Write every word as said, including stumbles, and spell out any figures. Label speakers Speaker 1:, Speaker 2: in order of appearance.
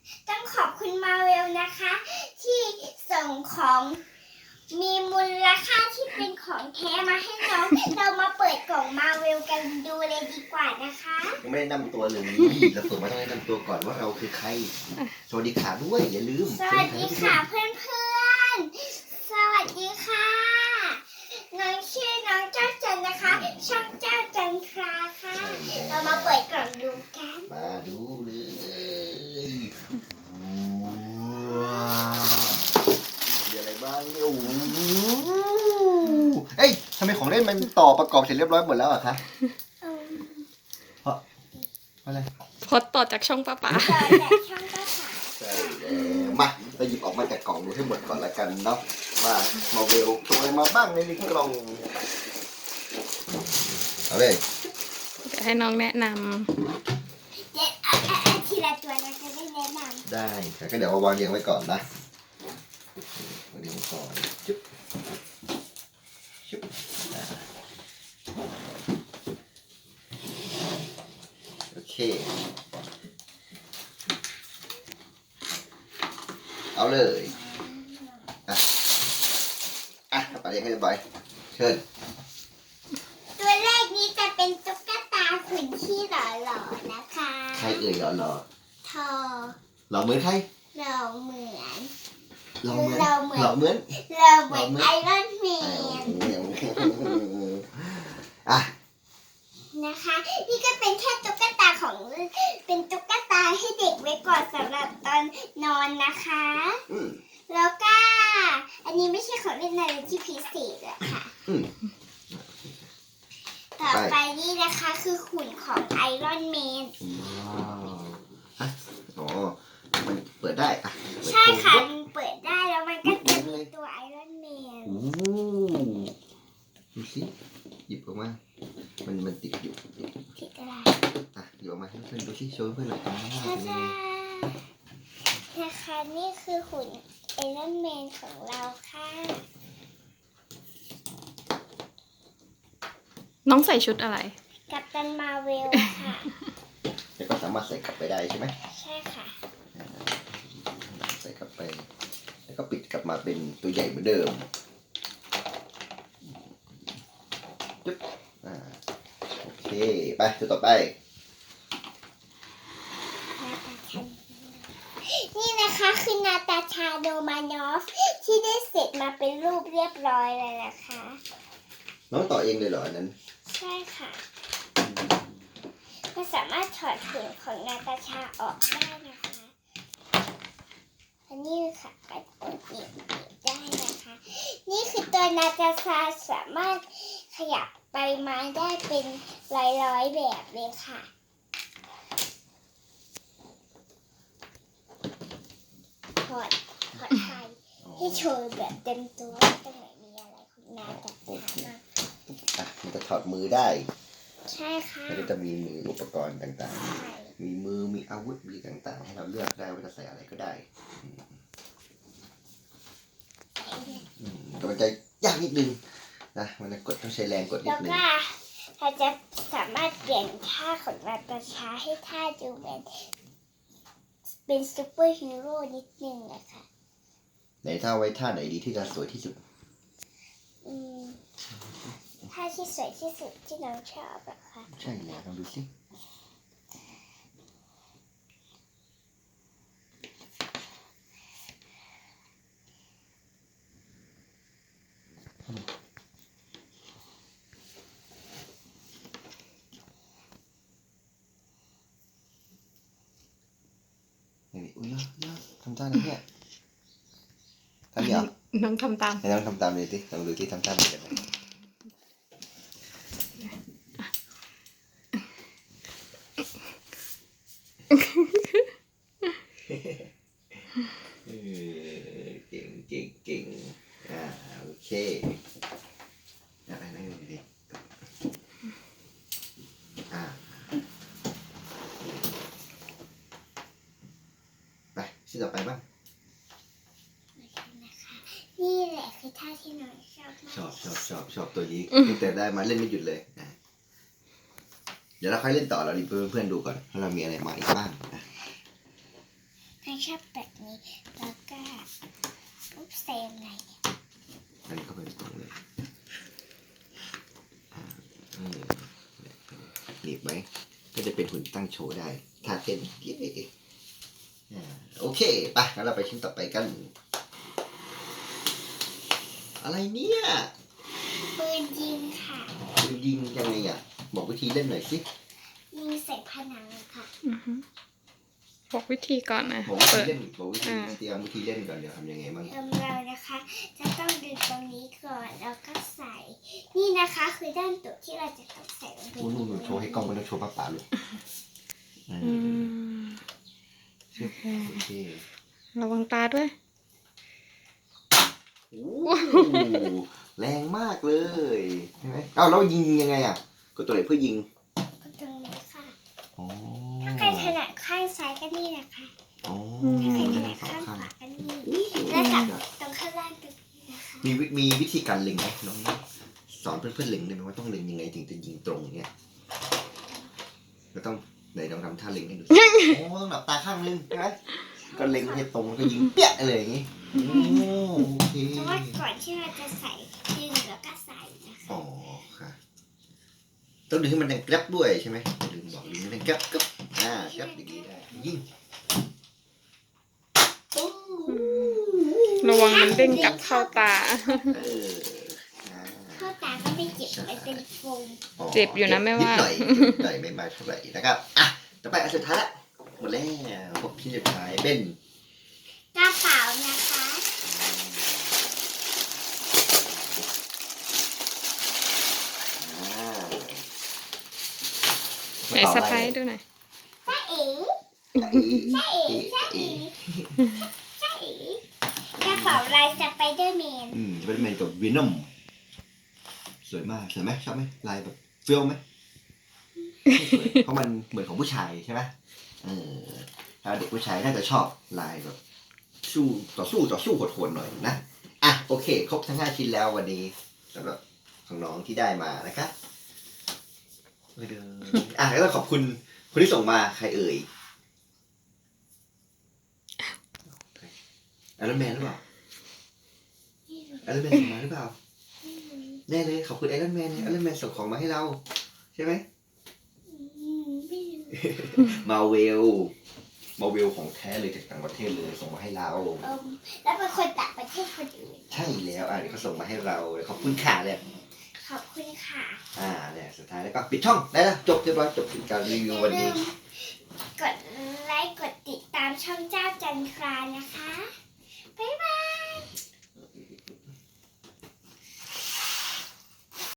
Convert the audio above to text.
Speaker 1: ต้องขอบคุณมาเวลนะคะ ที่ส่งของมีมูลค่าที่เป็นของแท้มาให้น้องเรามาเปิดกล่องมาเวลกันดูเลยดีกว่านะคะ
Speaker 2: ยังไม่ได้นำตัวเลยเราเปิดมาต้องแนะนำตัวก่อนว่าเราคือใครสวัสดีค่ะด้วยอย่าลืม
Speaker 1: สวัสดีค่ะเพื่อนๆสวัสดีค่ะน้องชื่อน้องเจ้าจันนะคะช่องเจ้าจันทราค่ะเรามาเปิดกล่องดูกัน
Speaker 2: มาดูเลยว้าวมีอะไรบ้างเนี่ยโอ้โหเอ้ยทำไมของเล่นมันต่อประกอบเสร็จเรียบร้อยหมดแล้วอะคะเพราะอะไร
Speaker 3: พอต่อจากช่องป้าป๋า
Speaker 1: ต่อจากช่องป้าป๋า
Speaker 2: ใช่แล้วมาเราหยิบออกมาจากกล่องดูให้หมดก่อนละกันเนาะมามาเวลตัวอะไรมาบ้างในนี้กล่องเอาเลย
Speaker 3: เดี๋ยวให้น้องแนะน
Speaker 1: เดี๋ยวเอาเอาเอาทีละตัวนะจะได้แนะนำ
Speaker 2: ได้ครับก็เดี๋ยวเอาวางเรียงไว้ก่อนนะวางเรียงไว้ก่อนจุ๊บจุ๊บอ่าโอเคเอาเลยอ่ะอ่ะเอาไปเรียงให้เรียบร้อยเชิญ
Speaker 1: ตัวแรกนี้จะเป็นตุ๊กตาขุนที่หล่อๆนะคะ
Speaker 2: ใครเอ่ยหรอหรอ
Speaker 1: ทอ
Speaker 2: หรอเหมือนใคร
Speaker 1: เราเหมือน
Speaker 2: หรอเหมือน
Speaker 1: เราเหมือน
Speaker 2: หรอเหมือน
Speaker 1: เราเหมือนไอรอนแมน
Speaker 2: อ่ะ
Speaker 1: นะคะ นี่ก็เป็นแค่ตุ๊กตาของเป็นตุ๊กตาให้เด็กไว้ก่อนสำหรับตอนนอนนะคะ
Speaker 2: อืม
Speaker 1: แล้วก็อันนี้ไม่ใช่ของเล่นอะไรที่พิเศษอะค่ะ
Speaker 2: อืม
Speaker 1: ต่อไปนี่นะคะคือหุ่นของไอรอนแมน
Speaker 2: ว้าวฮะอ๋อมันเปิดได้อ่ะเปิด
Speaker 1: ใช่ค่ะ
Speaker 2: โชว์
Speaker 1: มันเปิดได้แล้วมันก็จะมีตัวไอรอนแมน
Speaker 2: โอ้ดูสิหยิบออกมา มันมันติดอยู่
Speaker 1: ผิดอะไร
Speaker 2: อ่ะหยิบออกมาให้เพื่อนดูสิโชว์เพื่อนหน่อยอ่า
Speaker 1: ใช่
Speaker 2: เป็นยัง
Speaker 1: ค่ะ
Speaker 2: ไง
Speaker 1: นะคะนี่คือหุ่นไอรอนแมนของเราค่ะ
Speaker 3: ำน้องใส่ชุดอะไร
Speaker 1: กัปตันมาเวลค่ะ
Speaker 2: แล้วก็สามารถใส่กลับไปได้ใช่ไหม
Speaker 1: ใช่ค่ะ
Speaker 2: ใส่กลับไป แล้วก็ปิดกลับมาเป็นตัวใหญ่เหมือนเดิมจุ๊บอ่าโอเคไปตัวต่อไป
Speaker 1: นี่นะคะคือนาตาชาโดมานอฟที่ได้เสร็จมาเป็นรูปเรียบร้อยเลยนะคะ
Speaker 2: น้องต่อเองเลยเหรออันนั้น
Speaker 1: ใช่ค่ะก็สามารถถอดหุ่นของนาตาชาออกได้นะคะอันนี้ค่ะก็เปิดหยิบได้นะคะ นี่คือตัวนาตาชาสามารถขยับไปมาได้เป็นร้อยๆแบบเลยค่ะถอดถอดไฟให้โชว์แบบเต็มตัวว่าตรงไหนมีอะไรของนาตาชาบ้าง
Speaker 2: อ่ะมันจะถอดมือได้
Speaker 1: ใช่ค่ะ
Speaker 2: มันก็จะมีมืออุปกรณ์ต่าง
Speaker 1: ใช่
Speaker 2: ๆ มีมือมีอาวุธมีต่างๆ ให้เราเลือกได้ว่าจะใส่อะไรก็ได้อืมแต่มันจะยากนิดนึงนะมันจะกดต้องใช้แรงกดนิ
Speaker 1: แล้
Speaker 2: ด
Speaker 1: ว
Speaker 2: นึง
Speaker 1: ก็เราจะสามารถเปลี่ยนท่าของนาตาชาให้ท่าดูเหมือนเป็นซูเปอร์ฮีโร่นิดนึงนะคะ
Speaker 2: ไหนท่าไว้ท่าไหนดีที่จะสวยที่สุด
Speaker 1: อืมท่าที่สวยที่สุดที่น้องชอบอะค่ะ
Speaker 2: ใช่แล้วลองดูสินี่อุ้ยยากยากทำท่าไหนเนี่ยท่านี้เหรอ
Speaker 3: น้องทำตาม
Speaker 2: ไหนลองทำตามเลยสิลองดูที่ทำท่าเหมือนกันไหมเออเก่งเก่งเก่งอ่าโอเคอะไรนั่งดูดิอ่าไปชิ้นต่อไปบ้าง
Speaker 1: นี่แหละคือท่าที่น้องชอบมาก
Speaker 2: ชอบชอบชอบชอบตัวนี้ตั้งแต่ได้มาเล่นไม่หยุดเลยนะเดี๋ยวเราค่อยเล่นต่อเราดิเพื่อนเพื่อนๆดูก่อนว่าเรามีอะไรมาอีกบ้างนะ
Speaker 1: ให้ชอบแบบนี้แล้วก็อุ๊บเซมไหน
Speaker 2: อันนี้ก็เป็นตรงเลยอ่าเออหนีบไหมก็จะเป็นหุ่นตั้งโชว์ได้ท่าเต้นเย้อ่าโอเคไปงั้นเราไปชิ้นต่อไปกัน อะไรเนี่ย
Speaker 1: ปืนยิงค่ะ
Speaker 2: ปืนยิงยังไงอ่ะบอกวิธีเล่นหน่อยสิ
Speaker 1: ยิงใส่ผนังค่ะ
Speaker 3: อือฮึบอกวิธีก่อนนะ
Speaker 2: บอกวิธี
Speaker 3: เปิด
Speaker 2: เล่นบอกวิธี
Speaker 3: อ่า
Speaker 2: เตรียมวิธีเล่นก่อนเดี๋ยวทำยังไงบ้าง
Speaker 1: เริ่มเรานะคะ จะต้องดึงตรงนี้ก่อนแล้วก็ใส่ นี่นะคะคือด้านตุกที่เราจะต้องใส่ลงไป
Speaker 2: นู่นนู่นนู่นโชว์ให้กล้องมันต้องโชว์ป้าป๋าเลยเอ
Speaker 3: อื
Speaker 2: อ
Speaker 3: ม
Speaker 2: เชื่อโอเค
Speaker 3: ระวังตาด้วย
Speaker 2: โอ้โหแรงมากเลยใช่ไหมเอ้าแล้วยิงยังไงอ่ะกดตัวไหนเพื่อยิง
Speaker 1: ก็ตรงนี้ค่ะ
Speaker 2: อ๋อ
Speaker 1: ถ้าใครถนัดข้างซ้ายก็นี่นะคะ
Speaker 2: อ๋อ
Speaker 1: ถ้าใครถ
Speaker 2: ได้
Speaker 1: นัด
Speaker 2: สอง
Speaker 1: ข้างข
Speaker 2: ข้าง
Speaker 1: วาก็นี่แล้วกับตรงข้างล่างตรงนี้นะคะ
Speaker 2: มีวิมีวิธีการเล็งไหมน้องสอนเพื่อนๆเล็งได้ไหมว่าต้องเล็งยังไงถึงจะยิงตรงเนี่ยก็ต้องไหนลองทำท่าเล็งให้ดูสิโอ้ต้องหลับตาข้างนึงใช่ไหมก็เล็งให้ตรงแล้วก็ยิงเปี้ยอะไรอย่างงี้โอ้โอเค
Speaker 1: เพราะว่าก่อนที่เราจะใส่ดึงแล้วก็ใส่นะคะ
Speaker 2: อ๋อค่ะต้องดึงให้มันดังแกร็บด้วยใช่ไหมดึงบอกดึงให้มันดังแกร็บกึ๊บอ่าแกร็บอย่างนี้ได้ยิงโอ้
Speaker 3: ระวังมันเด้งกลับเข้าตา
Speaker 2: เอออ่า
Speaker 1: เข้าตาก็ไม่เจ็บมันเป็นโฟม
Speaker 3: เจ็บอยู่นะแม่ว่า
Speaker 2: นิดหน่อยนิดหน่อยไม่มากเท่าไหร่นะครับอ่ะต่อไปอันสุดท้ายละหมดแล้วพวกที่สุดท้ายเป็น
Speaker 1: กระเป๋านะคะ
Speaker 2: อ่า
Speaker 3: ไหนสะพายดูหน่อย
Speaker 1: จ้าเอ๋
Speaker 2: จ้าเอ๋
Speaker 1: จ้าเอ๋จ้าเอ๋จ้าเอ๋กระเป๋าลายสไปเดอร์แมน
Speaker 2: อืมจะเป็นแมนกับวีนอมสวยมากสวยไหมชอบไหมลายแบบเฟี้ยวไหมไม่สวยเพราะมันเหมือนของผู้ชายใช่ไหมเออถ้าเด็กผู้ชายน่าจะชอบลายแบบสู้ต่อสู้ต่อสู้โหดๆหน่อยนะอ่ะโอเค ครบทั้งห้าชิ้นแล้ววันนี้สำหรับของน้องที่ได้มานะคะไม่เดินอ่ะแล้วก็ขอบคุณคนที่ส่งมาใครเอ่ยไอรอนแมนหรือเปล่าไอรอนแมนส่งมาหรือเปล่าแน่เลยขอบคุณไอรอนแมนไอรอนแมนส่งของมาให้เราใช่ไหม มาเวล มาเวลของแท้เลยจากต่างประเทศเลยส่งมาให้เรา
Speaker 1: เอิ่มแล้วเป็นคนต่างประเทศคนอื่น
Speaker 2: ใช่แล้วอ่ะเดี๋ยวเขาส่งมาให้เราขอบคุณค่ะเลย
Speaker 1: ขอบคุณค่ะ
Speaker 2: อ่าเนี่ยสุดท้ายแล้วก็ปิดช่องได้แล้วจบเรียบร้อยจบการรีวิววันนี้
Speaker 1: กดไลค์กดติดตามช่องเจ้าจันทรานะคะ